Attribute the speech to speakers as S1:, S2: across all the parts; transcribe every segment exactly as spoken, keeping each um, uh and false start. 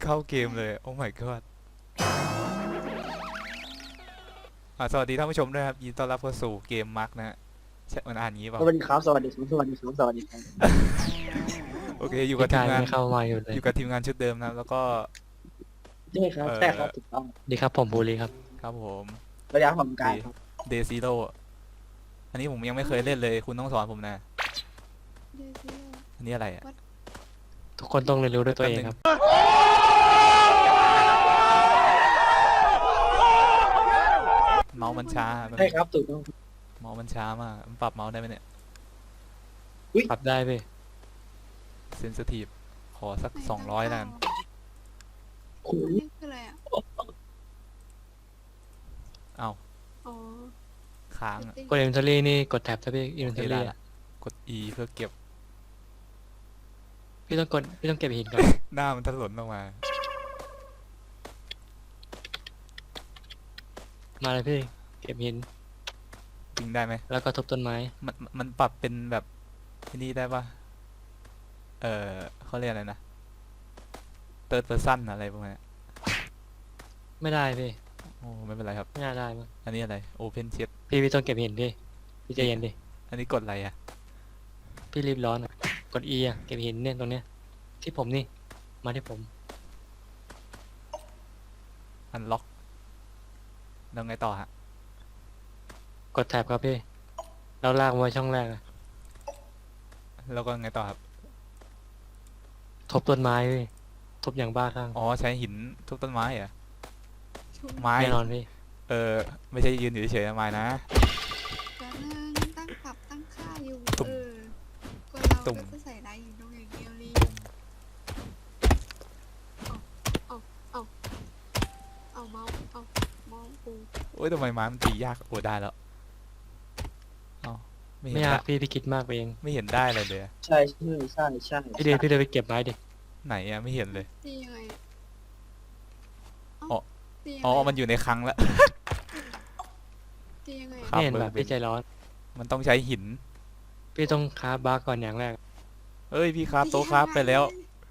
S1: เข้าเกมเลยโอ้ my god อ่าสวัสดีท่านผู้ชมด้วยครับยินดีต้อนรับเข้าสู่เกมมาร์กนะฮะใช่มันอ่านงี้เปล่า
S2: สวัสดีครับสวัสดีครับสวัสดีครับสวัสดีครับ
S1: โอเคอยู่กับที
S3: กาม ย
S1: งาน
S3: ไม่เข้ามาอยู่เลย
S1: อยู่กับทีมงานชุดเดิมนะแล้วก็
S2: ใช่ครับ
S1: เอ่อ
S2: ใช่ครับถูกต้อง
S3: ดีครับผมบูรีครับ
S1: ครับผม
S2: สวัสดีครับผมกายครับ
S1: เดซิโร่อันนี้ผมยังไม่เคยเล่นเลยคุณต้องสอนผมนะ
S4: เดซิโล
S1: อันนี้อะไรอ่ะ
S3: ทุกคนต้องเรียนรู้ด้วยตัวเองครับ
S1: เมาส์มันช้า
S2: ใช่ครับถูกต้อง
S1: เมาส์มันช้ามากมันปรับเมาส์ได้ไหมเนี่ย
S3: ปรับได้เว้ย
S1: เซนซิทีฟขอสักสองร้อยแล้วกัน
S2: คุ
S4: อัน
S2: ณ
S4: นี้คืออะไรอ่ะ
S1: เอา
S4: อ๋อ
S1: ค้างอะ
S3: กดอินเวนทอรี่นี่กดแท็บถ้าพี่อินเวนทอ
S1: โอเคได้
S3: รี่
S1: ละ กด E เพื่อเก็บ
S3: พี่ต้องกดพี่ต้องเก็บหินก่อน
S1: หน้ามันถลนออกมา
S3: มาเลยพี่เก็บหิน
S1: จริงได้ไหม
S3: แล้วก็ทุบต้นไม้
S1: มันมันปรับเป็นแบบที่นี่ได้ปะเออเขาเรียกอะไรนะ third person อะไรประมาณนี้
S3: ไม่ได้พี่
S1: โอ้ไม่เป็นไรครับ
S3: ไม่น่าได้มั้ง
S1: อันนี้อะไร open chat
S3: พี่พี่ต้องเก็บหินพี่พี่ใจเย็นดิ
S1: อันนี้กดอะไรอ่ะ
S3: พี่รีบร้อนอ่ะกด E อ่ะเก็บหินเนี่ยตรงเนี้ยที่ผมนี่มาที่ผม
S1: unlock แล้วไงต่อฮะ
S3: กดแท็บครับพี่แล้วลากมาไว้ช่องแรกอะ
S1: แล้วก็ไงต่อครับ
S3: ทุบต้นไม้พี่ทุบอย่างบ้าคลั่ง
S1: อ๋อใช้หินทุบต้นไม้เหรอ
S4: ชุบ
S1: ไม้
S3: แน่นอนพี่
S1: เออไม่ใช่ยืนอยู่เฉยๆนะไม้นะ
S4: แป๊บนึงตั้งปรับตั้งค่าอยู่
S1: ตุ่ม
S4: เออคนเรา
S1: ตุ่ม
S4: ก็จะใส่ได้อยู่ตรงอย่างเดียวเลยเอาเมาส์เอาเมาส์กู
S1: โอ้ยทำไมไม้มันตียากโอ้ได้แล้วเอ้าไม่เห็
S3: ไม่
S1: น
S3: ยาก
S1: ได้
S3: พี่พี่คิดมากไปเอง
S1: ไม่เห็นได้เลยเลยอะ
S2: ใช่ใช่ใช่ใช่
S3: พี่เดินพี่เดินไปเก็บไม้ดิ
S1: ไหนอะไม่เห็นเลย
S4: ตียังไงอะเา
S1: อ๋อ
S4: ตียังไง
S1: อ๋อ
S4: อะ
S1: มันอยู่ในครั้งแล้ว
S4: ตียังไงอะ
S1: ครับ
S3: ไม่เห็นแบบ
S1: เบอร์
S3: พี่ใจร้อน
S1: มันต้องใช้หิน
S3: พี่ต้องคาบบาร์ก่อนอย่างแรก
S1: เอ้ยพี่ครับโต๊ะครับไปแล้ว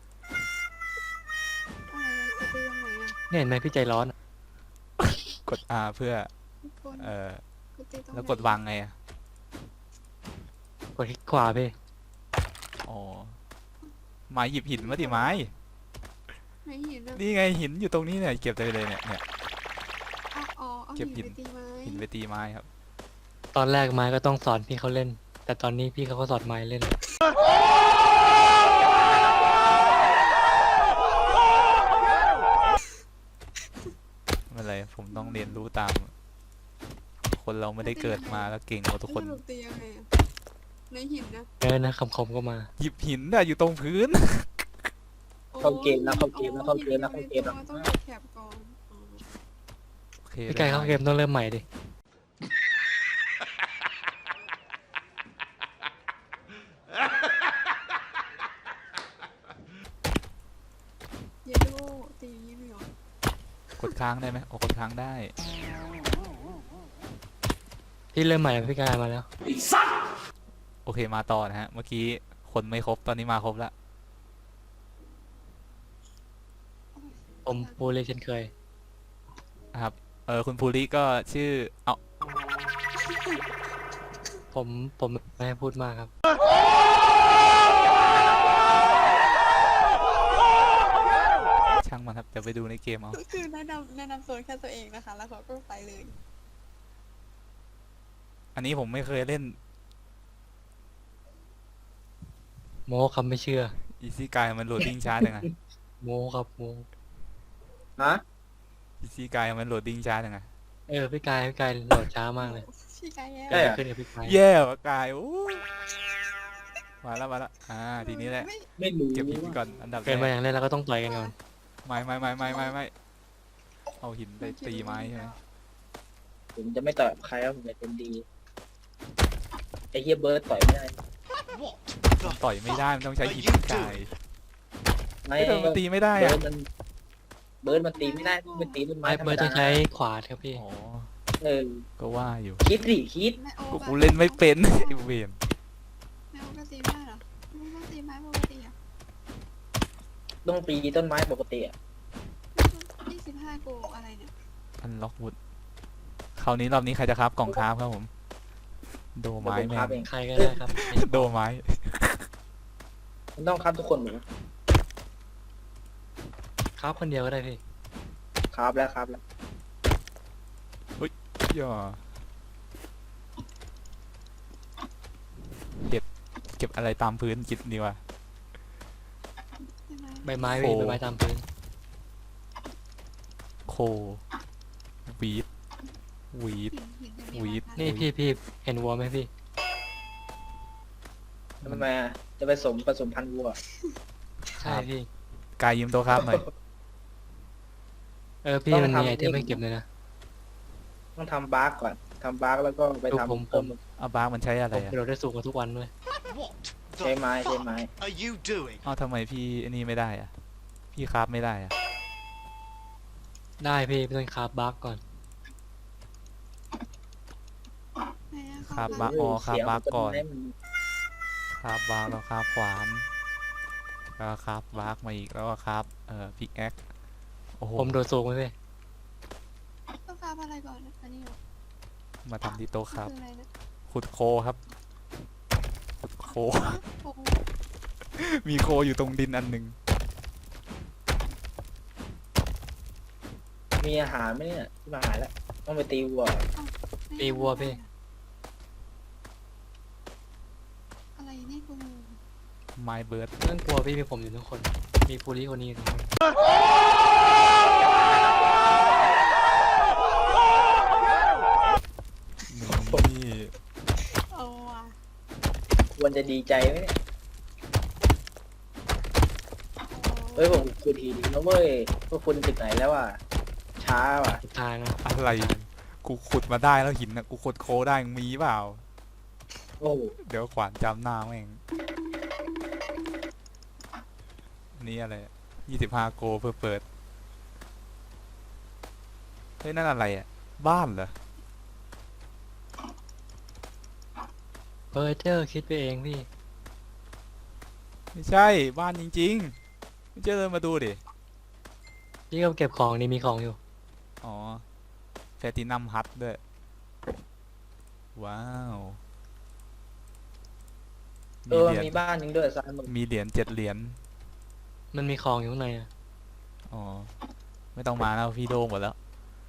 S4: อะไรอะจะตีตรงไหนอะ
S3: เนี่ยเห็นไหมพี่ใจร้อนอะ
S1: กด R เพื่อ
S4: ทุกคน
S1: เอ่อ
S4: กูตีตรงไหน
S1: แล้วกดวางไงอะ
S3: กดคลิกขวาพี่
S1: อ๋อไม้หยิบหินมาดิไม้
S4: ไม่เห็นอะ
S1: นี่ไงหินอยู่ตรงนี้เนี่ยเก็บได้เลยเนี่ยเนี่ย
S4: เอาอ๋อเอา
S1: เก็บหิ
S4: หิ
S1: น
S4: นไปตีไม้
S1: หินไปตีไม้ครับ
S3: ตอนแรกไม้ก็ต้องสอนพี่เขาเล่น แต่ตอนนี้พี่เขาก็สอนไม้เล่น
S1: ไม่เป็นไรผมต้องเรียนรู้ตาม คนเราไม่ได้เกิดมาแล้วเก่งกว่าทุกคน
S4: สรุปตียังไงอะในหินนะ
S3: เออนะคำคมก็มา
S1: หยิบหินน่ะอยู่ตรงพื้น
S2: เข้าเกมแล้วเข้าเกมแล้วเข้าเกมแล้วเข้าเกมแล้ว
S4: ต้องกดแคปก่อนอ๋อ
S1: โอเค
S3: พี่ไก่เข้าเกมต้องเริ่มใหม่ดิ
S4: เยลโล่ตีอย่างนี้ไม่หรอก
S1: ดค้างได้ไหมโอ้กดค้างได้
S3: พี่เริ่มใหม่พี่กายมาแล้ว
S1: โอเคมาต่อนะฮะ เมื่อกี้คนไม่ครบตอนนี้มาครบแล้ว
S3: ผมปูเลยเช่นเคย
S1: นะครับ เออคุณภูริก็ชื่อ เอา
S3: ผมผมไม่ให้พูดมากครับ
S1: ช่างมันครับเดี๋ยวไปดูในเกมเอา
S4: คือแนะนำแนะนำโซนแค่ตัวเองนะคะ แล้วเขาก็ไปเลย
S1: อันนี้ผมไม่เคยเล่น
S3: โมคำไม่เชื่อ
S1: อีซี่กายมันโหลดดิ้งช้าจังไง
S3: โมครับโม
S2: ฮะ
S1: อีซี่กายมันโหลดดิ้งช้าจังไง
S3: เออพี่กายพี่กายโหลดช้ามากเลย
S4: พี่กายแย่
S3: เกิดอะไรขึ้นกับพี่กาย
S1: แย่ว่ะกายโอ้ยมาแล้วมาแล้วอ่าทีนี้แหละ
S4: ไม่
S2: ไม่รู้
S1: เก็บหิน
S2: ว่า
S1: ก่อนอันดับแร
S3: เกิดมาอก ย่างแรกเราก็ต้องต่อยกันก่อน
S1: ไม่ไม่ไม่ไม่ไม่ไม่เอาหินไปตีไม้ใช่ไหม
S2: ผมจะไม่ต่อยกับใครครับผมจะเป็นดีไอ้เฮียเบิร์ดต่อยไม่ได้
S1: มันต่อยไม่ได้มันต้องใช้หินกาย
S2: ไม่
S1: เฮ้ยแต่มันตีไม่ได้
S2: เบิ
S1: อะ
S2: ร์ดมันเบิร์ดมันตีไม่ได้มันตีต้นไม้
S3: ไม้
S2: ธรร
S3: เบิ
S2: ม
S3: ร์ดต้
S2: ดา
S3: องใช้ขวาครับพี่
S1: อ๋อ
S2: เออ
S1: ก็ว่าอยู่
S2: คิดดิคิด
S4: ไม่โอ้
S1: ก็
S4: แบบ
S1: กูเล่นไม่เป็นไอ้เวน
S4: ไม่โอ้ก็ตีไม่ได้เหรอไม่ต้องตีไม้ปกติอ่ะ
S2: ต้องตีต้นไม้ปกติอะ
S4: ถ้ากูอะไรเนี่ย
S1: อันล็อกวุดคราวนี้รอบนี้ใครจะครับกล่องคราฟครับผม โด
S2: เดี๋ยว
S1: ไม้
S2: ผม
S1: แม่
S2: คราฟ
S1: ง
S2: เอง
S3: ใครก็ได้ครับ
S1: โดไม้
S2: มันต้องคราฟทุกคนเหมือนกัน
S3: ครับคนเดียวก็ได้พี่
S2: คราฟแล้วคราฟแล้ว
S1: ย่อเก็บเก็บอะไรตามพื้นกินดีวะ
S4: ใช่ไหม
S3: ใบไม้พี่
S1: โอ้
S3: ใบไม้ตามพื้น
S1: โควีดวีด
S4: หินหินจะมี
S1: วีด
S4: ราคา
S3: นี่พี่พี่เห็นวัวไหมพี่
S2: ทำไมอะจะไปสมผสมพันธุ์วัว
S3: ใช่พี่
S1: กายยืมตัวครับหน่อย
S3: เออพี่
S2: ต้อง
S3: มันมี
S2: ทำ
S3: ไอเทม
S2: นี่
S3: ให้เก็บเลยนะ
S2: ต้องทำบาร์กก่อนทำบาร์กแล้วก็ไป
S3: ดูผม
S2: ทำเพิ่ม
S3: ผม
S1: เอาบาร์กมันใช้อะไร
S3: ผม
S1: อะ
S3: กระโดดได้สูงกว่าทุกวันด้วย
S5: What
S2: ใช้
S5: the
S2: ไม้ใช้ไม้
S5: fuck are you doing?
S1: เอ้าทำไมพี่อันนี้ไม่ได้อะพี่คราฟไม่ได้อะ
S3: ได้พี่ไม่ต้องคราฟบัคก่อน
S4: ไหนอะ
S1: คราฟ
S4: เข
S1: บาร์กอ๋อคราฟ
S2: เสียง
S1: บาร์กก่อน
S2: มัจะไม่
S1: คราฟบาร์กแล้วคราฟขวานแล้วก็คราฟบาร์กมาอีกแล้วก็คราฟเอ่อพิกแอคโอ้โห
S3: ผมโดดสูงไหมพี่
S4: ต้องคราฟอะไรก่อนนะอันนี้เหรอ
S1: มาทำที่โต๊ะครับ
S4: คืออะไรนะ
S1: ขุดโคครับขุดโค
S4: โอ้โห
S1: มีโคอยู่ตรงดินอันหนึ่ง
S2: มีอาหารไหมเนี่ยที่มาหาแล้วต้องไปตีวัว
S4: ไม่
S3: ตีวัวพี่
S4: อะไรนี่กู
S1: ไมเบิร์ด
S3: ไม่ต้องกลัวพี่มีผมอยู่ทุกคน มีภูริคนนี้อยู่ทุกคน
S1: นี่
S4: เอาว่ะ
S2: ควรจะดีใจไหมเนี่ยเฮ้ยผมขุดหินนะเว้ยพวกคุณถึงไหนแล้วอ่ะช้าว่ะ
S3: สุดท้ายนะ
S1: อะไรกูขุดมาได้แล้วหินนะกูขุดโคได้มึงมีเปล่า
S2: โอ้โห
S1: เดี๋ยวขวานจำหน้าแม่งนี่อะไรยี่สิบห้าโกเพื่อเปิด เฮ้ย นั่นอะไรอ่ะ บ้านเหรอ
S3: เพอร์เจอร์คิดไปเองพี่
S1: ไม่ใช่บ้านจริงๆไม่เจอมาดูดิ
S3: พี่ก็เก็บของนี่มีของอยู่
S1: อ๋อแพลตินัมฮัทด้วย ว้าว
S2: เออ
S1: เหรียญ
S2: มีบ้านหนึงด้วยซ้ายมือ
S1: มีเหรียญเจ็ดเหรียญ
S3: มันมีของอยู่ข้างในอะ
S1: อ๋อ ไม่ต้องมาแล้วพี่โดงหมดแล้ว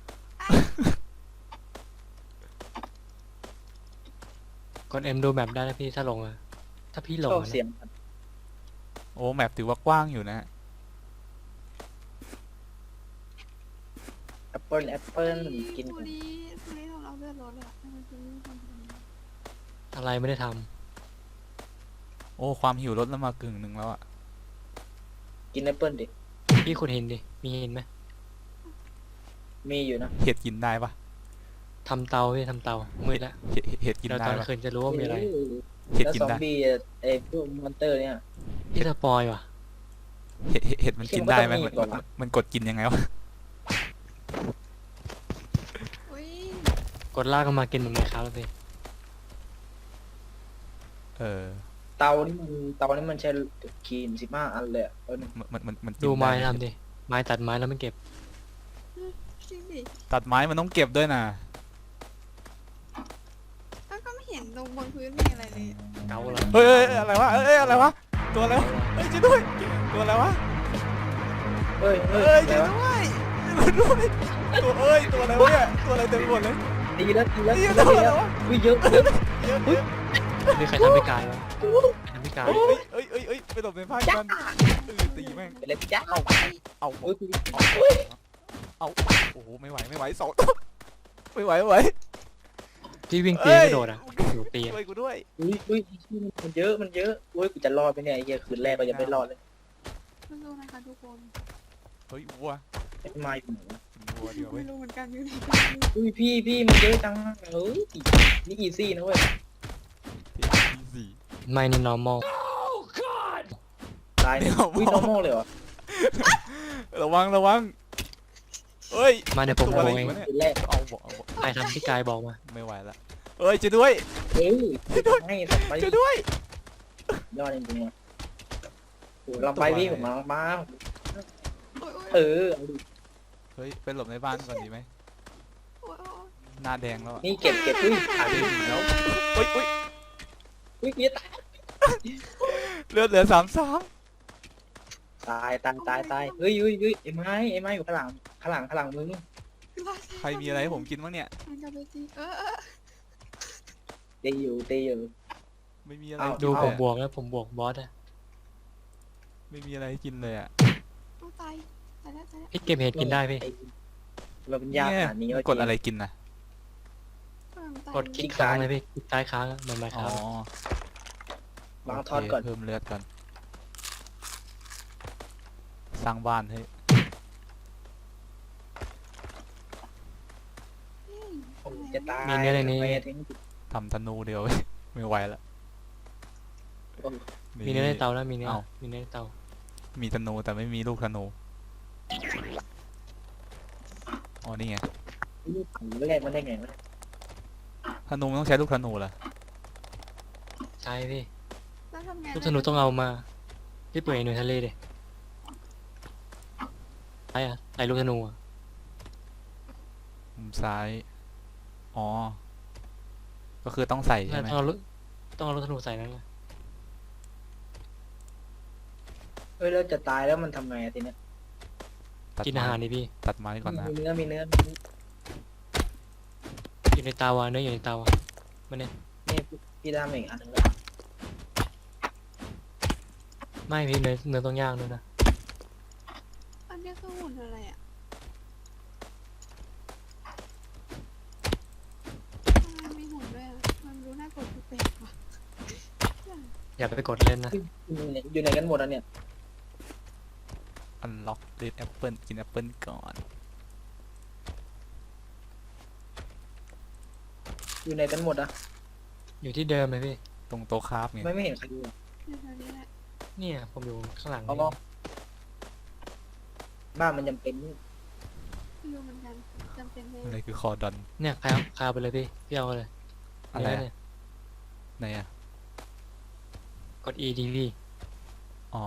S3: กดเอ็มดูแมปได้นะพี่ถ้าลงอะถ้าพี่หลง
S2: ชอบ
S3: อะนะ
S2: เสียง
S1: โอ้ แมปถือว่ากว้างอยู่นะ
S2: แอปเปิลแอปเปิลกิน
S4: ฟูรีฟูรีของเราเลือดรถเลยอะทำไมฟูรีทำแบบนี้
S3: อะไรไม่ได้ท
S1: โอ้ ความหิวลดแล้วมากึ่งหนึ่งแล้วอะ
S2: กินแอปเปิลดิ
S3: ำพี่ขุดหินดิ มีหินไหม
S2: มีอยู่นะ
S1: เห็ดกินได้ปะ
S3: ทำเตาพี่ทำเตา มืดละ
S1: เห็ดเห็ดกิน
S3: เดี๋ยว
S1: ได้
S3: ตอน
S1: ปะ
S3: คืนจะรู้ว่ามีอะไร
S1: เห็ด
S2: แล้ว
S1: กิน
S2: ซอม
S1: ได้
S2: บี้ไอ้พวกมอนเตอร์เนี่ย
S3: พี่สปอยว่ะ
S1: เห็ดเห็ดเห็ดมันกินได้ไหม
S2: คิด
S1: มัน
S2: ว่าต้องมีก่อน
S1: มัน
S2: นะ
S1: มันกดกินยังไงวะ
S4: อุ้ย
S3: กดลากกันมากินเหมือนไงครับแล้วพี่
S1: เออ
S2: เตานี่มันเตานี่มันใช้ครีมสิบห้าอันเลยอะเออ
S1: มันมันมันมันกิน
S3: ดูไม้
S1: ด้ห
S3: ทำดิ ไม้ตัดไม้แล้วมันเก็บ
S4: จริงดิ
S1: ตัดไม้มันต้องเก็บด้วยนะ
S4: ก็ก็ไม่เห็นตรงบนพื้นมีอะไรเลยอะ
S3: เกาแล้ว
S1: เฮ้ยเฮ้ยเฮ้ยอะไรวะเอ้ยเอ้ยอะไรวะ ตัวอะไรวะเฮ้ยช่วยด้วย ตัวอะไรวะ
S2: เฮ้ยเฮ้
S1: เอ้
S2: ย
S1: ย
S2: อะไร
S1: ช่วยว
S2: ะ
S1: ด้วยช่วยด้วยตัวเอ้ย ตัวอะไรวะเนี่ย ตัวอะไรเต็มไปหมดเลย
S2: ตีแล้วตีแล้ว
S1: เฮ้
S2: ตี
S1: ย
S2: แล้ว
S1: ตัว
S2: ตี
S1: อะไร
S2: แล้ว
S1: วะ
S2: อุ้ยเยอะเยอะ
S1: เยอะเยอะ
S3: มีใครทำพิการวะใครทำพิการ
S1: เฮ้ยเฮ้ยเฮ้ยเฮ้ยไปหลบในผ้ากันเออตีแม่ง
S2: เป็นอะไรพี่จ้าเอา
S1: เอา
S2: โอ้ย
S1: เอาเอาโอ้โห ไม่ไหว ไม่ไหวสองไม่ไหวไม่ไหว
S3: พี่วิ่งตีนกระโดดอ่ะอยู่ตีน
S1: ช่วยกูด้วย
S2: อุ้ยอุ้ยมันเยอะมันเยอะโอ้ยกูจะรอดไปเนี่ยไอ้เหี้ยคืนแรกก็ยังไม่รอดเลย
S4: สู้ๆนะคะทุกคน
S1: เฮ้ยวัว
S2: ไอ้มาอยู่ไหนวะ
S1: วัวเดียวเว้
S4: ไม่
S1: ย
S4: รู้เหมือนกันอยู่ไหน
S2: อุ้ยพี่พี่มันเยอะจังเอ้ยนี่อีซี่นะเว้ย
S1: ที่สี่
S3: ไม่นี่ normal
S2: ตายเนี่ยอุ้ย normal เลยเหรอ
S1: ระวังระวังเอ้ย
S3: มาเดี๋ยวผม
S1: ตัว
S3: โก
S1: อะไร
S3: งเอ
S1: อี
S3: ง
S1: กวะเนี่ย
S2: คืนแรก
S1: เอาบอกเอาบอก
S3: ใครทำพี่กายบอกมา
S1: ไม่ไหวละเอ้ยช่วยด้วย
S2: เอ้ยให้สัตว์ไป
S1: ช่วยด้วย
S2: ยอดจริงๆว่ะโอ้เราไปพี่ผมมามา
S4: โอ้ยโอ้ย
S2: เออเอาดิ
S1: เฮ้ยไปหลบในบ้านก่อนดีไหม
S4: โอ้ยโอ้ย
S1: หน้าแดงแล้วอะ
S2: นี่เก็บเก็บอุ้ยตาย
S1: ไม่มีแล้วอุ้ยอุ้ย
S2: อุ้ยเหี้ยตาย
S1: เลือดเหลือสามสาม
S2: ตายตายตายตายเฮ้ยเฮ้ยเฮ้ยไอ้ไม้ไอ้ไม้อยู่ข้างหลังข้างหลังข้างหลังมึง
S1: ใครมีอะไรให้ผมกินบ้างเนี่ย
S4: มันจะไปจีเออเออ
S2: ตีอยู่ตีอยู่
S1: ไม่มีอะไร
S2: เอา
S1: กิน
S3: ดู
S1: เล
S3: ผม
S1: ย
S3: บ
S1: อะ
S3: วกแล้วผมบวกบอสอะ
S1: ไม่มีอะไรให้กินเลยอ่ะ
S4: ต้องตายตายแล้วตายแล้ว
S3: พี่เก็บเห็ดกินได้พี่
S2: เราเป็นยากขนาดนี้
S1: เนี่ย
S2: วะ
S1: กดอะไรกินนะ
S4: เออมันตาย
S3: กดคลิกค้างเลยพี่คลิกซ้ายค้างอะเหมือนไมค์
S1: อ๋
S3: ค้า
S1: อง
S2: วางทอดก่อน
S1: โเคเพิ่มเลือดก่อนสร้างบ้านให้
S4: เฮ้ย
S2: ผมจะตาย
S3: มีเนื้อในนี้
S2: ทำไมถึง
S1: ทำธนูเดียว ไม่ไหวละ
S3: มีเนื้อในเตาแล้วมีเนื้อ
S1: เอ้า
S3: มีเนื้อในเตา
S1: มีธนูแต่ไม่มีลูกธนูอ๋อนี่ไง
S2: ลูกผีแรกมันได้ไงวะ
S1: ธนูมันต้องใช้ลูกธนูเหรอ
S3: ใช่พี่
S4: แล้วทำไง
S3: ลูกธนูต้องเอามาพี่เปิดหน่วยทะเลดิใช่อะใส่ลูกธนูอะ
S1: มุมซ้าย อ๋อ ก็คือต้องใส่ใช่ไหม
S3: ต้องเอาลูกต้องเอาลูกธนูใส่นั่นแหละ
S2: เฮ้ยเราจะตายแล้วมันทำไงอะทีเนี้ย
S1: ตัด
S3: กิน
S1: ไม้
S3: อาหารดิพี่
S1: ตัดไม้ก่อนนะ
S2: มีเนื้อมีเนื้อ
S3: อยู่ในเตาอะเนื้ออยู่ในเตาอะมันเนี่ย
S2: นี่พี่ดามอีกอันหนึงแล้ว
S3: ไม่พี่เนื้อเนื้อต้องย่างด้วยนะ
S4: อันนี้คือหุ่นอะไรอ่ะทำไมมีหุ่นด้วยอ่ะมันดูน่ากลัวแปลกๆว่ะ
S3: อย่าไปกดเล่นนะ
S2: อยู่ไหนอยู่ไหนกันหมดอ่ะเนี่ย
S1: อันล็อกเรดแอปเปิลกินแอปเปิลก่อน
S2: อยู่ไหนกันหมดอ่ะ
S3: อยู่ที่เดิมเลยพี่
S1: ตรงโต๊ะคราฟไง
S2: ไม่ไม่เห็นใครอยู่อะ
S4: อยู่แถวนี้แหละ
S3: เนี่ยผมอยู่ข้างหลัง
S2: เอา
S3: นี่
S2: มองบ้านมันจำเป็น
S4: ไม่รู้เหมือนกันจำเป็นเลย
S1: อะไรคือคอดอน
S3: เนี่ยคายคายไปเลยพี่พี่เอาเลย
S1: อะไร
S3: เนื้
S1: อะ
S3: เนี่ย
S1: ไหนอะ
S3: กด E ดีพี่
S1: อ๋อ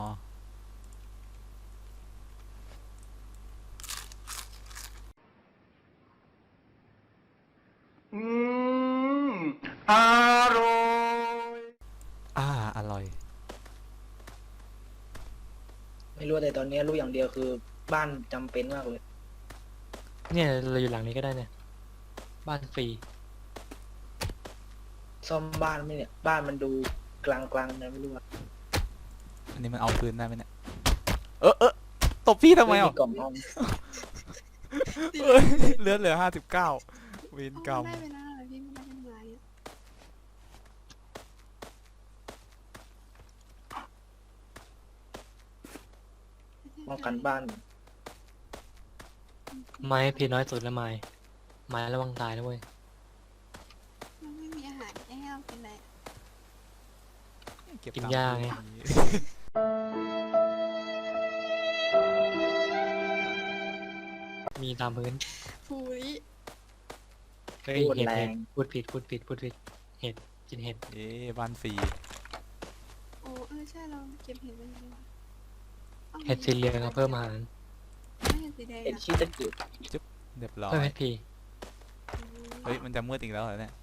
S5: อืมอร่อย
S1: อ่า อร่อย
S2: ไม่รู้แต่ตอนนี้รู้อย่างเดียวคือบ้านจำเป็นมากเลย
S3: เนี่ยเราอยู่หลังนี้ก็ได้เนี่ยบ้านฟรี
S2: ซ่อมบ้านไหมเนี่ย บ้านมันดูกลางๆนะไม่รู้ว่า
S1: อันนี้มันเอาคืนได้ไหมเนี่ย เออเออตบพี่ทำไมอ่ะ
S2: กล่องห้อง
S1: เอ้ยเลือดเหลือห้าสิบเก้าเวรกรรม
S4: ได้ไปแล้วเหรอพี่ไม่ได้เป็นไม้อะ
S2: ป้องกันบ้าน
S3: ไม้พี่น้อยสุดแล้วไม้ไม้ระวังตายนะเว้ย
S4: มันไม่มีอาหารให้เรากินเลยอะ
S1: เก็บ
S3: กิน
S1: ตังค์
S3: ยาไง มีตามพื้น
S4: ฟูริ
S3: เฮ้ย
S2: พูด
S3: เห็ด
S2: แร
S3: เห็
S2: ง
S3: ดพูดผิดพูดผิดพูดผิดเห็ดกินเห็ด
S1: เอ๊ะบ้านฟรี
S4: โอ้เออใช่เราเก็บเห็ดไปเลยว่ะอา
S3: เห็ดสีเหลืองเอาเพิ่มอาหาร
S4: ไม่เห็ดสีแดง
S2: เอ็น
S4: อะ
S2: ชีตะกิด
S1: เรียบร้อย
S3: เพิ่มเอพี
S1: เฮ้ย มันจะมืดอีกแล้วเหรอเนี่ย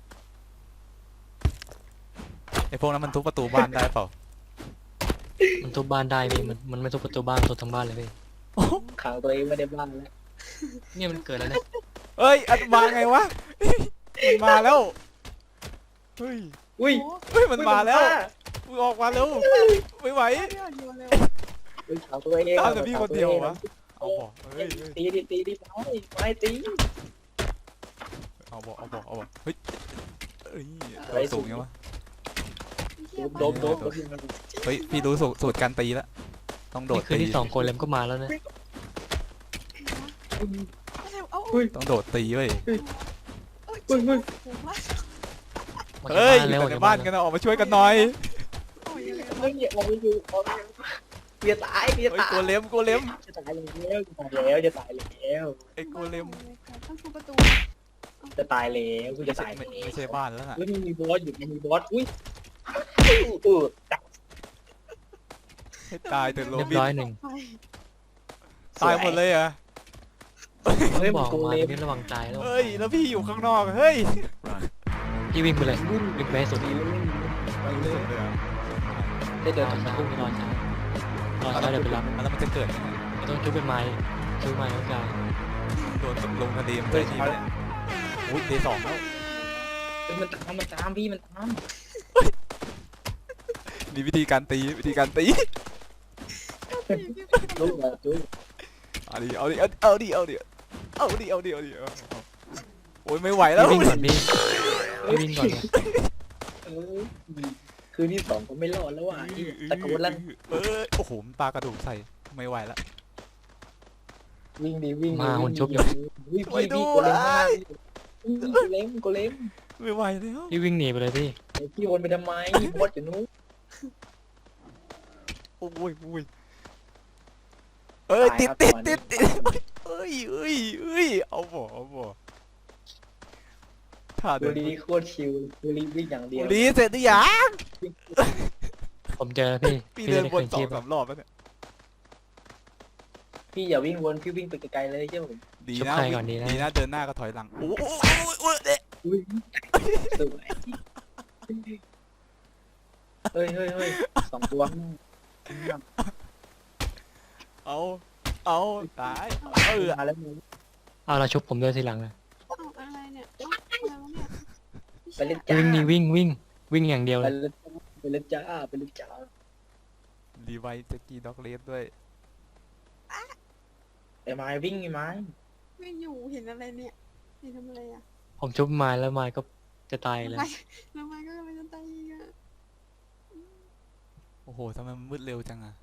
S1: ไอพวกนั้นมันทุบประตูบ้านได้เปล่า
S3: มันทุบบ้านได้พี่มันมันไม่ทุบประตูบ้านทุบทั้งบ้านเลยพี่
S2: ขังตัวเองไม่ได้บ้านแล้ว
S3: เนี่ยมันเกิดแล้วเนี่ย
S1: เอ้ย อันมาไงวะ มันมาแล้ว เฮ้ย
S2: อุ้ย
S4: โอ้
S1: เฮ้ย มันมาแล้ว
S2: อุ้ย
S1: มึงออกมาเร็ว ไม่ไหว
S4: ยพี่อ่อนโยนเลย
S2: อุ้ยขังตัวเอง
S1: ตามแต่พี่คนเดียววะ เอาบอกเฮ้ยเฮ้ย
S2: ตีดิตีดิไม้ไม้ตี
S1: เอาบอกเอาบอกเอาบอกเฮ้ยเอ้ย
S2: เฮ้ย
S1: สูงยังวะ
S2: โดมโดมโดม
S1: เฮ้ย พี่รู้สูตรสูตรการตีแล้ว ต้องโดด
S3: นี่คืน
S1: ตี
S3: ที่สองคนเลยมันก็มาแล้วนะ
S4: อะไรเอา
S2: อุ้ย
S1: ต้องโดดตีเว้ย
S4: เอ้ย
S2: เฮ้ยเฮ้ย
S4: โอ้โหว่า
S3: ออกจาก
S1: เฮ้ย
S3: บ้าน
S1: อยู่
S3: แล้วออก
S1: แต่ใน
S3: จาก
S1: บ้า
S3: บ้าน น
S1: กันนะออกมาช่วยกันหน่อย
S4: โอ้ยยังไง
S2: เฮ้ยอย่าออกไปอยู่ออกไปเบียตายเบีย
S1: เฮ้ย
S2: ตาย
S1: โกเลมโกเลม
S2: จะตายแล้วจะตายแล้วจะตายแล้ว
S1: ไอ้โกเลม
S4: ต้องทุบประตู
S2: จะตายแล้วกู
S1: ไม่
S2: จะ
S1: ใช่
S2: ตาย
S1: ไม่
S2: แล้ว
S1: ไม่ใช่บ้านแล้วน่ะ
S2: เฮ้ยมันมีบอสอยู่มันมีบอสอุ้ยเออจับ
S1: ให้ตายเถอะโร
S3: เรียบ
S1: บิน
S3: ร้อยหนึ่ง
S4: ไป
S1: ตายหมดเลยเหรอ
S2: ตเฮ้ย
S3: บ
S2: มัน
S3: อก
S2: โก
S3: มา
S2: เล
S3: ตร
S2: ม
S3: งนี้ระวังตายแล้ว
S1: เฮ้ยแล้วพี่อยู่ข้างนอกเฮ้ย
S3: พี่วิ่งไปเลยวิ่งไปให้สุด
S2: ดีเลยมันเลย
S1: สุดเลยอะ
S2: ได้
S3: ร
S2: เดิน
S3: อ
S2: ทาง
S3: ช้า
S2: คู่
S3: รอช้ารอช้าเดี๋ยวไปรับ
S1: แล้วมันจะเกิดยังไง
S3: ไม่ต้องชุบเป็นไม้ชุบไม้แล้วกาย
S1: โดนตกลงทะเลมันจะดีไหมอุ้ยเดย์สองแล้ว
S2: เฮ้ยมันตามมันตามพี่มันตาม
S1: มีวิธีการตีวิธีการตี
S2: ลูกอะจุ๊บ
S1: เอาดิเอาดิเอาดิเอาดิเอาดิเอาดิเอาดิเอาดิโอ้ยไม่ไหวแล้ว
S3: พี่วิ่งก่อนพี่พี่วิ่งก่อนนะ
S2: เออคืนที่สองก็ไม่รอดแล้วว่ะไอ้ตะโกนลั่น
S1: เออโอ้โหมันปลากระดูกใส่ไม่ไหวแล้ว
S2: วิ่งดีวิ่งดี
S3: มาหุ่นชุบอยู่
S2: วิ่ง
S1: ช่วย
S2: พี่
S1: ด้
S2: พี่
S1: วย
S2: โกเลมมากโกเลมโกเลม
S1: ไม่ไหวแล้ว
S3: พี่วิ่งหนีไปเลยพี่
S2: ไอ้พี่วนไปทำไมบอสอยู่นู้น
S1: โอ้ยโอ้ยเอ้ยติดติดติดติดเอ้ยเอ้ยเอ้ยเอาบ่เอาบ่ถ้า
S2: ดู
S1: เดิน
S2: ดีโคตรชิลดูดีวิ่งอย่างเดียว
S1: รีเสร็จหรือยัง
S3: ผมเจอแล้วพี่
S1: พี่
S3: พี่
S1: เดิ
S3: จะ
S1: น
S3: ได้
S1: วน
S3: คืน
S1: สอ
S3: ชี
S1: ง
S3: พ
S1: สามรอบแล้วเนี่ย
S2: พี่อย่าวิ่งวนพี่วิ่งไปไกลๆเลยเจ้าผม
S1: ดี
S3: ชุบ
S1: นะ
S3: ใครก่อนดีนะ
S1: ดีนะเดินหน้าก็ถอยหลังโอ้โหโอ้ยเอ๊ะ
S2: อุ้ยสวยเฮ้ยเฮ้ยเฮ้ยสองตัว
S1: เอาเอาตายเออ
S2: มาแล้วมึง
S3: เอาเราชุบผมด้วยทีหลังเลย
S4: เอาอะไรเนี่ยเอ้าอะไรวะเนี่ย
S2: ไปเล่นจ้า
S3: วิ่งนี่วิ่งวิ่งวิ่งอย่างเดียว
S2: ไป
S3: เลย
S2: เล่นไปเล่นจ้าไปเล่นจ้า
S1: รีไวท์สกีด็อกเลสด้วย
S2: ไอ้ไม้วิ่งไอ้ไม้
S4: ไม่อยู่เห็นอะไรเนี่ยเห็นทำอะไรอ่ะ
S3: ผมชุบไม้แล้วไม้ก็จะตายเลย
S4: ทำไมทำไมก็ไม่จะตายอีกอ่ะ
S1: โอ้โหทำไมมันมืดเร็วจังอะ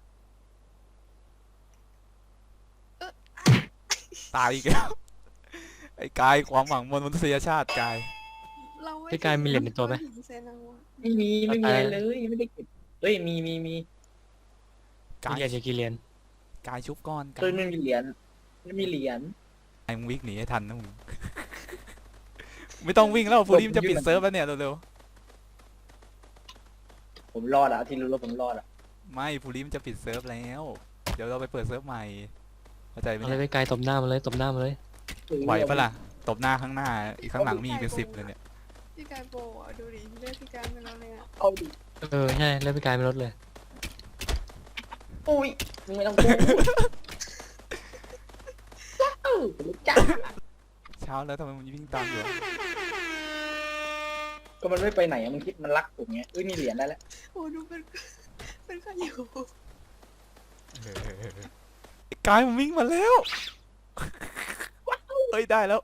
S1: ตายอีกแล้วไอ้กายความหวังมวลมนุษยชาติกาย
S4: เราไม่
S3: พี่กายมีเหรียญในตัวไหม
S4: ถึงเซนเอาอะ
S2: ไม่มีไม่มีอะไรเลยไม่ได้เก็บเฮ้ยมีมีมี
S1: กาย
S3: มีเหรียญอยู่กี่เหรียญ
S1: กายชุบก้อนกา
S2: เฮ้ย
S1: ย
S2: ไม่มีเหรียญไม่มีเหรียญ
S1: ไอ้มึงวิ่งหนีให้ทันนะมึง ไม่ต้องวิ่งแล้วฟูริมจะปิดเซิร์ฟแล้วเนี่ยเร็ว
S2: ผมรอดอะที่รู้แล้วผมรอดอะ
S1: ๆไม่ฟูริมจะปิดเซิร์ฟแล้ว เดี๋ยวเราไปเปิดเซิร์ฟใหม่เข้าใจไหม
S3: เอาเล
S1: เนี่ย ย
S3: ไปไกลตบหน้ามาเลยตบหน้ามาเลย
S1: ไหวปะล่ะตบหน้าข้างหน้าอีกข้างหลังมีอีกเป็นสิบเลยเนี่ย
S4: พี่กายโปรอ่ะดูดิเลือดพี่กายไปแล้วเลยอ่ะ
S2: เอาดิ
S3: เออใช่แล้วไปไกลไม่ลดเลย
S2: อุ้ยมึงไม่ต้องพูดเอ้าไปเล่นจ้า
S1: เช้าแล้วทำไมมันวิ่งตามอยู่อะ
S2: ก็มันไม่ไปไหนอะมันคิดมันรักผมไงเอ้ยมีเหรียญได้แล้ว
S4: โอ้ดูเป็นเป็นข้าอยู่
S1: เออไอ้กายมันวิ่งมาแล้วเอ้ยได้แล้ว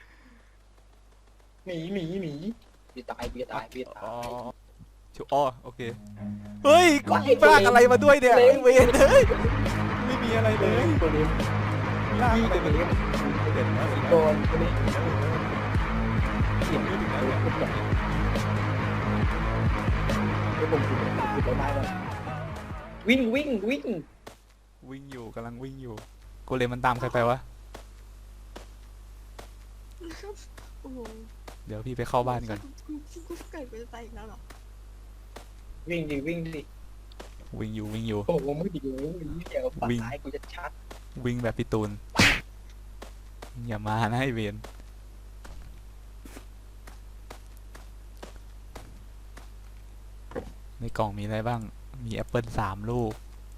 S2: หมีหมีหมีพี่ตายพี่ตายพี่ตา
S1: อ๋อย ชูอ๋อโอเคเฮ้ยกูลากอะไรมาด้วยเนี่ยไอ้เวรเฮ้ยไม่มีอะไรเลย
S2: ตัวนี้
S1: ลาก
S2: พี่
S1: อะไร
S2: ตัว
S1: มา
S2: นี้
S1: เด็ดแล้ว
S2: โดนตัวนี้เขียน
S1: ไม่ถึงแล้วเนี่ย
S2: เดี๋ยวผมผิดผิดไปได้เลยวิ่งวิ่งวิ่ง
S1: วิ่งอยู่กำลังวิ่งอยู่โกเลมมันตามใครไปวะ
S4: โอ้โห
S1: เดี๋ยวพี่ไปเข้าบ้านก่อน
S4: กูกูกูเกิดกูจะตายอีกแล้วเหรอ
S2: วิ่งดิวิ่งดิ
S1: วิ่งอยู่วิ่งอยู่
S2: โอ้โหมึงดิวิ่งเดี๋ยวปัด
S1: วิ่ง
S2: ท้ายกูจะชัด
S1: วิ่งแบบพี่ตูนอย่ามานะไอเวนในกล่องมีอะไรบ้างมีแอปเปิลสามลูก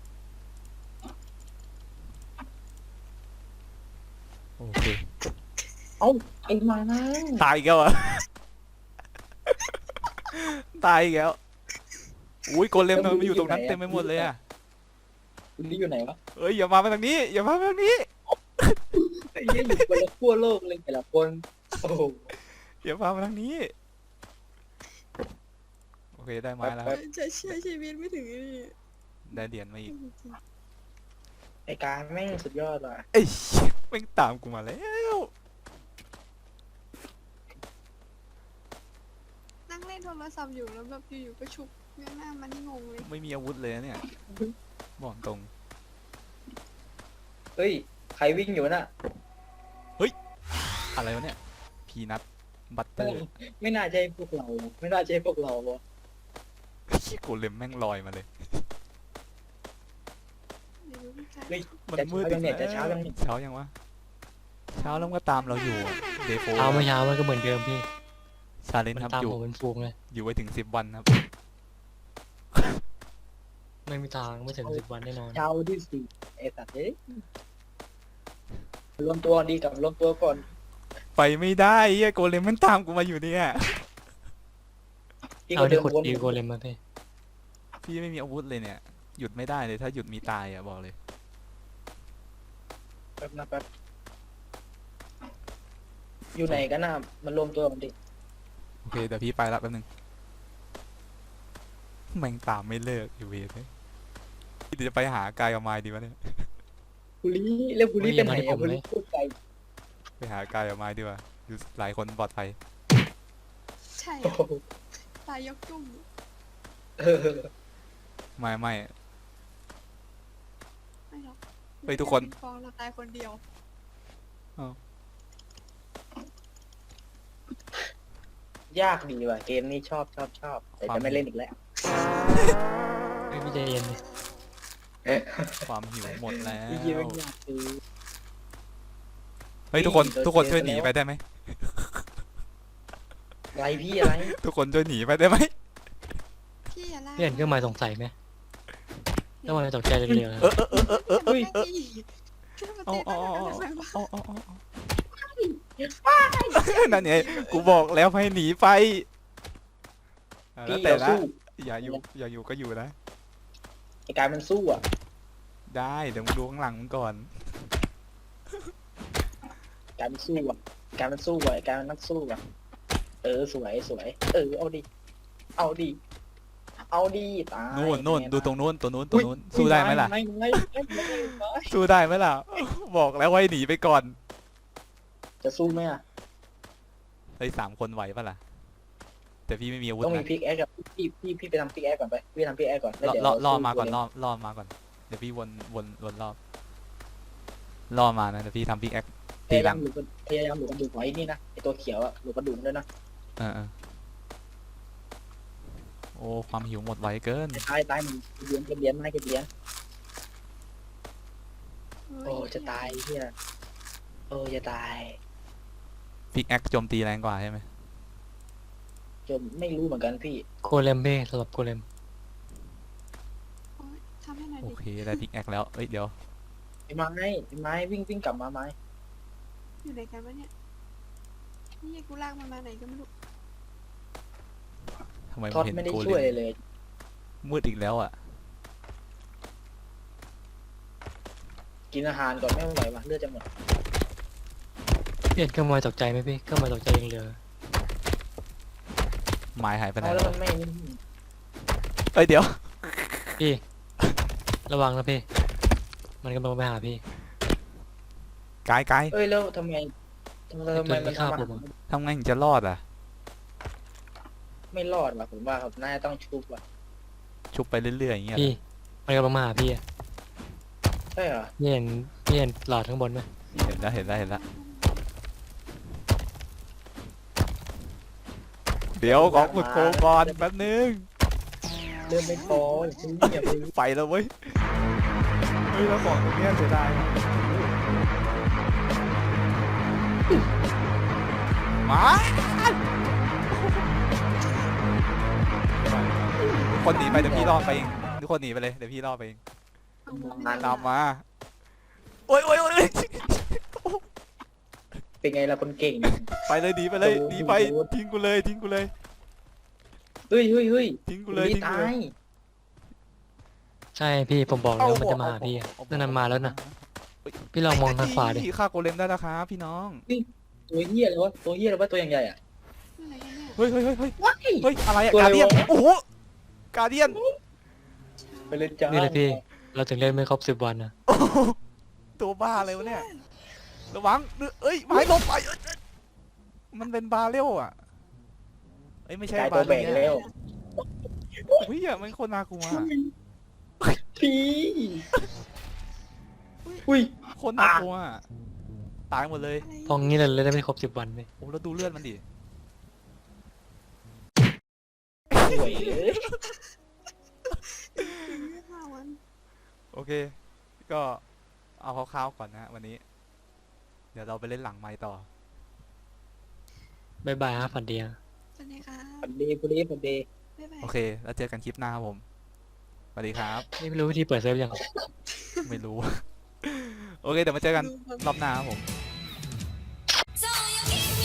S1: โอเค
S2: ไอ้มา
S1: ตายอีกแล้วเหรอะ ตายอีกแล้วอุ้ยโกเลมมันอยู่ตรงนั้นเต็มไปหมดเลยอะ
S2: คุณนี่อยู่ไหนวะ
S1: เอ้ยอย่ามาทางนี้อย่ามาทางนี้
S2: ไอ้เหี้ยอยู่คนละขั้วโลกเลยแต่ละคนโอ้โห
S1: อย่ามาทางนี้โอเคได้ไม้แล้วครับ
S4: ใช้ใช้ชีวิตไม่ถึงนี่
S1: ได้เหรียญมาอีก
S2: ไอ้การแม่งสุดยอดว่ะ
S1: เอ้ยแม่งตามกูมาแล้ว
S4: นั่งเล่นโทรศัพท์อยู่แล้วแบบอยู่ๆก็ชุบเงี้ยหน้ามันงงเลย
S1: ไม่มีอาวุธเลยนะเนี่ยบอกตรง
S2: เฮ้ยใครวิ่งอยู่น่ะ
S1: อะไรวะเนี่ยพีนัทบัตเตอร์
S2: ไม่น่าใช่พวกเรา ไม่น่าใช่พวกเราวะ
S1: โกเลมแม่งลอยมาเลย
S4: เดี๋ยวพี่กาย
S2: เฮ้ย
S1: มัน
S2: จะ
S1: มืด
S2: เช้า
S1: อี
S2: ยัง
S1: ก
S2: เนี่ย
S1: แล้ว
S2: จะเช้ายังเนี่ย
S1: เช้ายังวะเช้าแล้วมันก็ตามเราอยู่เดโฟ
S3: เช้าไม่เช้ามันก็เหมือนเดิมพี่
S1: ชาเลน
S3: มัน
S1: ครับ
S3: ตาม
S1: อยู่
S3: ผมเป็นฟูงเลย
S1: อยู่ไว้ถึงสิบวันครับ
S3: ไม่มีทางไม่ถึงสิบวันแน่นอน
S2: เช้าที่สี่ไอ้สัตว์เอ้ยรวมตัวดีกับรวมตัวก่อน
S1: ไปไม่ได้เฮียโกเลมมันตามกูมาอยู่เนี่ย
S2: พี่
S3: เอา
S2: ก็เดิ
S3: ที่
S2: น
S3: ขุด
S2: วน
S3: ดีโกเลมมาพี่
S1: พี่ไม่มีอาวุธเลยเนี่ย หยุดไม่ได้เลยถ้าหยุดมีตายอ่ะบอกเลย
S2: แป๊บนะแป๊บอยู่ไหนกันนะมันรวมตัวกันดิ
S1: โอเคเดี๋ยวพี่ไปละแป๊บนึงแม่งตามไม่เลิกอยู่เวทเลยเดี๋ยวจะไปหากายกับไม้ดีวะเนี่ย
S2: บุรีแล้วบุรีเป็นไหนอะบุรีพูดไกล
S1: ไปหากายกับไม้ดีกว่าอยู่หลายคนปลอดภัย
S4: ใช่
S2: โอ้
S4: อะ
S2: โห
S4: ตายยกจุ่ม
S2: เออ
S1: ไม่ไม่
S4: ไม่หรอก
S1: เฮ้ยทุกคน
S4: ปิงปองเราตายคนเดียว
S2: ยากดีว่ะเกมนี้ชอบชอบชอบแต่จะไม่เล่นอีกแล้ว
S3: ไม่พี่ใจเย็นดิ
S1: ความหิวหมดแล้ว
S2: พี่ยิงไม่ยากคือ
S1: เฮ้ยทุกคน
S2: โดน
S1: ทุกคน
S2: เจอ
S1: ช่วยหนี
S2: แล้ว
S1: ไปได้ไหม
S2: อะไรพี่อะไร
S1: ทุกคนช่วยหนีไปได้ไหม
S4: พี่อย่าล่า
S3: พี่เห็นเครื่องหมายสงสัยไหมเครื่องหมายตกใจเรือ
S1: เออเออเออเออเออ
S4: เฮ้ยขึ้นมา
S1: เอา
S4: เต้น
S1: เอา
S4: อะไร
S1: เอา
S4: กันทำไมวะ
S1: เอาเอาเอาเอานั่นไงกูบอกแล้วให้หนีไปอ่ะแล้ว
S2: พี่
S1: แต่
S2: เรา
S1: ละ
S2: สู้
S1: อย่าอยู่อย่าอยู่ก็อยู่นะ
S2: ไอ้การมันสู้อ่ะ
S1: ได้เดี๋ยวมึงดูข้างหลังมึงก่อน
S2: การมันสู้อ่ะการมันสู้อ่ะไอ้การมันนักสู้อ่ะเออสวยสวยเออเอาดิเอาดิเอาดิตาย
S1: นู่นนู่น
S2: เป็ไง
S1: ดูตรงนู้นตัวนู้นตัวนู้นสู้ได้ไหมล่ะ
S2: ไม่ไม่ไม่ไม่ไม่ไม่
S1: สู้ได้ไหมล่ะ บอกแล้วว่าให้หนีไปก่อน
S2: จะสู้ไหมอ่ะ
S1: เฮ้ยสามคนไหวปะล่ะแต่พี่ไม่มีอาวุธ
S2: ต้องมี
S1: นะ
S2: พิกแอคกับพี่พี่พี่ไปทำพิกแอคก่อนไปพี่ทำพิกแอคก่อนแล้ว
S1: ล่อ
S2: เดี๋ยว
S1: ล่อ
S2: เร
S1: ล่อ
S2: สู้
S1: มาก่อน
S2: เลย
S1: ล่อล่อมาก่อนเดี๋ยวพี่วนวนวนรอบล่อมานะเดี๋ยวพี่ทำพิกแอค
S2: พยายามหลุดกระพยายามหลุดกระดูกไว้นี่นะไอตัวเขียวอ่ะหลุดกระดูกด้วยนะ
S1: เออเออโอ้ความหิวหมดไวเกิน
S2: ตายตายมันเลี้ยงเก็บเลี้ยงไม่ให้เก็บเลี้ยง
S4: เฮ้ย
S2: โอ้จะตายเฮียโอ้จะตาย
S1: พิกแอคโจมตีแรงกว่าใช่ไหม
S2: จนไม่รู้เหมือนกันพี่
S3: โกเลมพี่สำหรับโกเลม
S4: โอ๊ยทำให้หน่อย
S1: โอ
S4: ดิ
S1: เคได้พิกแอคแล้วเอ้ยเดี๋ยว
S2: ไอ้ไม้ไอ้ไม้วิ่งวิ่งกลับมาไม้
S4: อยู่ไหนกันวะเนี่ยนี่กูลากมันมาไหนก็ไม่รู้
S1: ทำไม
S2: ท็อ
S1: ไม่
S2: ด
S1: เห็น
S2: ไม่ได้
S1: โก
S2: ช่วย
S1: เลม
S2: เลย
S1: มืดอีกแล้วอ่ะ
S2: กินอาหารก่อนไม่ไหววะเลือดจะหมด
S3: พี่เห็นเครื่องหมายตกใจไหมพี่เครื่องหมายตกใจยังเหลือ
S1: ไม้หายไปไหน
S2: เอาแล้ว
S1: แล้ว
S2: มันไม่
S1: เอ้ยเดี๋ยว
S3: พี่ ระวังนะพี่ มันกำลังไปหาพี่
S1: กายกาย
S2: เอ้ยแล้วทำไมทำไมทำไมมันทำอาหาร
S1: ทำไงถึงจะรอดอ่ะ
S2: ไม่รอดว่ะผมว่าครับน่าจะต้องชุบว่ะ
S1: ชุบไปเรื่อยๆอย่างเงี้ย
S3: พี่ มันกำลังมาหาพี่อะ
S2: ใช่เหรอ
S3: พี่เห็นพี่เห็นหลอดข้างบนไหม
S1: เห็นแล้วเห็นแล้วเห็นแล้วเดี๋ยวของขุดโกงก่อนแป๊บนึง
S2: เริ่มไม่พออย่าเพิ่งอย่าเพิ่ง
S1: ไปแล้วเว้ยเฮ้ยแล้วของตรงเนี้ยเสียดายมาทุกคนหนีไปเดี๋ยวพี่ล่อไปเองทุกคนหนีไปเลยเดี๋ยวพี่ล่อไปเอง
S4: เอามือไม่
S1: ตามมาโอ้ยโอ้ยโอ้ย
S2: เป็นไงล่ะคนเก่ง
S1: ไปเลยหนีไปเลย
S2: โอ้โห
S1: หนีไปทิ้งกูเลยทิ้งกูเลย
S2: เฮ้ยเฮ้ยเฮ้ย
S1: ทิ้งกูเลยทิ้งกู
S2: ตา
S1: เลย
S2: ย
S3: ใช่พี่ผมบอกแล้วมันจะมาหาพี่อะนั่นนะมาแล้วนะพี่ลองมองทางขวาดิ
S1: ฆ่าโกเลมได้แล้วครับพี่น้อง
S2: ตัวเหี้ยเลยวะตัวเหี้ยเลยวะตัวอย่างใหญ่อะ
S4: อยู่ไหนกันเนี่ย
S1: เฮ้ยเฮ้ยเฮ้ยเฮ้ย
S2: ว้าย
S1: เฮ้ยอะไรอะ
S2: ตัว
S1: กา
S2: อะไร
S1: เดียน
S2: วะ
S1: โอ้โหกาเดียน
S2: ไปเลยจ้า
S3: นี่แหละพี่ เราถึงเล่นไม่ครบสิบวันนะ
S1: โอ้โหตัวบ้าอะไรวะเนี่ยระวังเอ้ยไม้ลงไปเอ้ยมันเป็นบาเรลอะเอ้ยไม่ใช่
S2: กลาย
S1: บา
S2: ตัว
S1: เร
S2: แบ่ง
S1: ล
S2: แล้ว
S1: เฮ้ยอะมันโคนน่ากลัวอะ
S2: พี่อุ้ย
S1: โคนน่ากลัวอะตายหมดเลย
S4: อะไร
S3: พองี้เราเล่นไม่ครบสิบวันเลย
S1: โอ้แล้วดูเลือดมันดิ
S2: สวยเลย
S4: ห้าวัน
S1: โอเค ก็เอาคร่าวๆก่อนนะวันนี้ เเดี๋ยวเราไปเล่นหลังไมค์ต่อ
S3: บายบายฮะฝันดีฮะ
S4: สวัสดีค่ะ
S2: พอดีพอดีพอดี
S4: บ๊ายบาย
S1: โอเค แล้วเจอกันคลิปหน้าครับผม สวัสดีครับ
S3: นี่ไม่รู้วิธีเปิดเซิร์ฟยัง
S1: ไม่รู้ โอเค เดี๋ยวมาเจอกันรอบหน้าครับผม
S4: そうよ